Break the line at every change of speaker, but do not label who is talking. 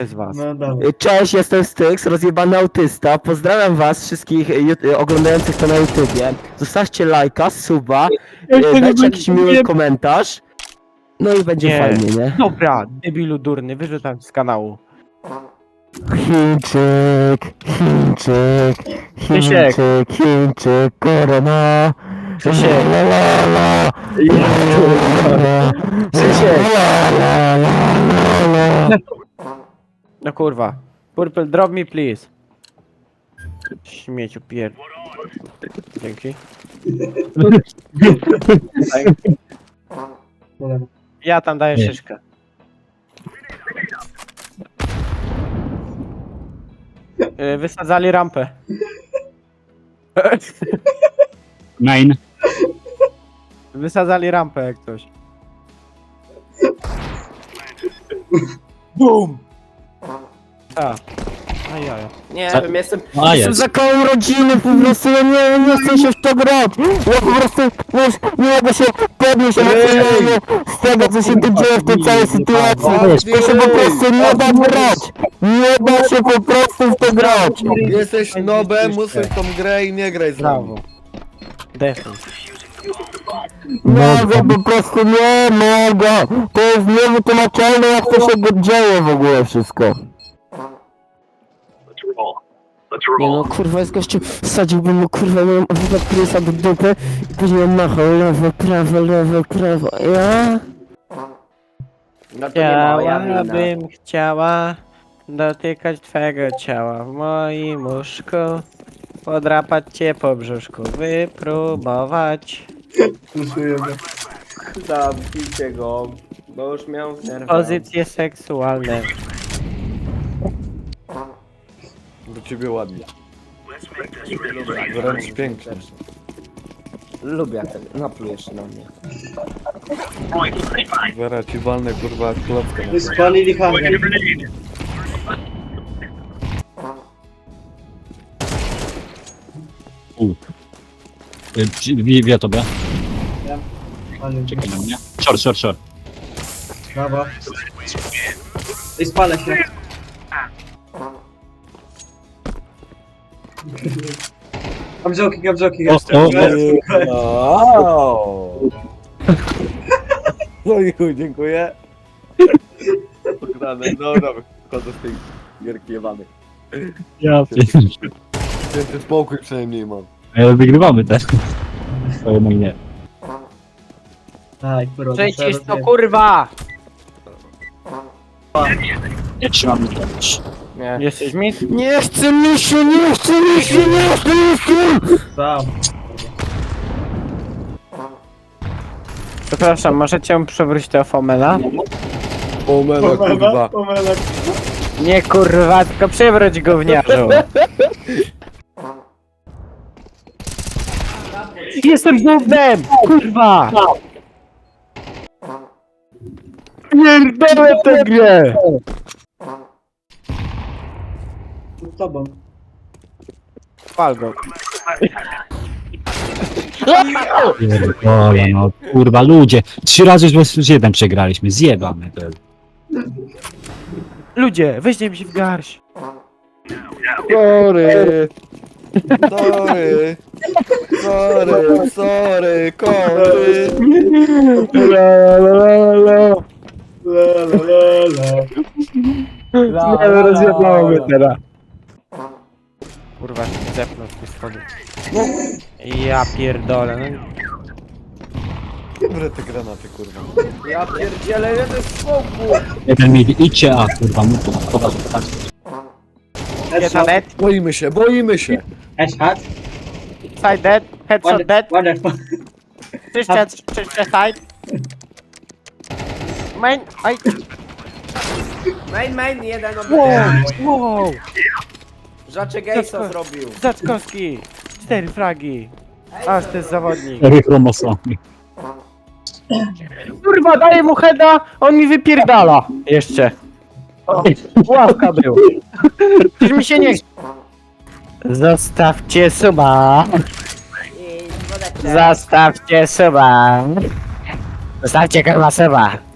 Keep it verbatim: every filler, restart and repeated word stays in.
z was.
No dobra.
Cześć, jestem Styx, rozjebany autysta. Pozdrawiam was wszystkich y, ju- oglądających to na YouTubie. Zostawcie lajka, suba, y, dajcie jakiś miły komentarz. No i będzie
Nie.
fajnie, nie?
Dobra, debilu durny, wyrzucam z kanału.
Chińczyk, Chińczyk,
Krzysiek.
Chińczyk, Chińczyk, korona.
Krzysiek.
La, la, la, la.
Krzysiek.
La, la, la, la, la.
No kurwa. Purple, drop me please. Śmieciu pier... Dzięki.
Dobra.
Ja tam daję
Nie.
szyszkę. Y, Wysadzali rampę.
Main.
Wysadzali rampę jak coś. Boom! A. Ajaj. Nie
Za-
wiem, jestem...
A
Jestem
jest.
za kołem rodziny, po prostu ja nie, nie chcę się w to grać. Ja po prostu wiesz, nie mogę się podnieść emocjonalnie z tego, co się tu dzieje w tej całej sytuacji. To się po prostu nie da grać. Nie da się po prostu w to grać.
Jesteś nobem, musisz tą grę i nie graj z nami.
Brawo. Defense.
Mogę, po prostu nie mogę. To jest niewytłumaczalne, jak to się dzieje w ogóle wszystko. Nie no, kurwa, jest gościu, wsadziłbym mu, kurwa, moją Prisa do dupy i później on machał lewo, prawo, lewo, prawo, ja?
No to nie moja wina. Bym chciała dotykać twego ciała w moim łóżku, podrapać cię po brzuszku, wypróbować.
Słyszujemy.
Zabijcie go, bo już miał w nerwach.
Pozycje seksualne.
Do ciebie ładnie. Wręcz pięknie.
Lubię jak ten, naplujesz się na mnie.
Zaraz ci walnę kurwa klockę na
Spalili hangar.
U. Y, czy- Wie, wie tobie.
Spalili.
Czekaj na mnie. Short, short, short.
Brawo. I spalę się. Gabzoki, gabzoki,
O, o,
Wow. No i chuj, dziękuję. Pograne, dobra, wychodzę z tej gierki jebanej.
Ja
Święty spokój przynajmniej mam.
Ale wygrywamy też. To jednak nie.
Aj, kurwa.
Przecież to kurwa!
Nie trzymamy to też.
Nie. Jesteś mi?
Nie chce mi się, nie chce mi się, nie chce mi się!
Sam.
Przepraszam, możecie przewrócić tego Fomena?
Omena kurwa.
Pomelek.
Nie kurwa, tylko przewróć gówniarzu. Jestem gównem! Kurwa! Pierdolę tę grę!
Z tobą.
Pal go.
Pierdolę, no kurwa, ludzie. Trzy razy z versus jeden przegraliśmy. Zjebamy to.
Ludzie, weźcie mi się w garść.
Sorry. Sorry. Sorry, sorry, kory.
La la la la.
Nie, rozjebało mnie teraz. Kurwa, się zepnął z tej schody. Ja pierdolę, no.
Dobre te granaty kurwa.
Ja pierdzielę, jeden spokój!
Jeden mi idźcie, a kurwa, mu tu. Dobra, tak.
Headshot dead,
Boimy się, boimy się.
Headshot.
side dead, headshot dead,
Wonderful.
czyszczę, czyszczę side. Main, aj,
Main, main, jeden
wow,
obity.
wow,
Żaczek Gejsa zrobił.
Zaczkowski, cztery fragi. Aż to jest zawodnik.
Cztery chromosomy.
Kurwa, daję mu heada, on mi wypierdala. Jeszcze. O, ławka był. Przecież mi się nie... Zostawcie suba.
I wodeczek.
Zostawcie suba. Zostawcie kurwa suba.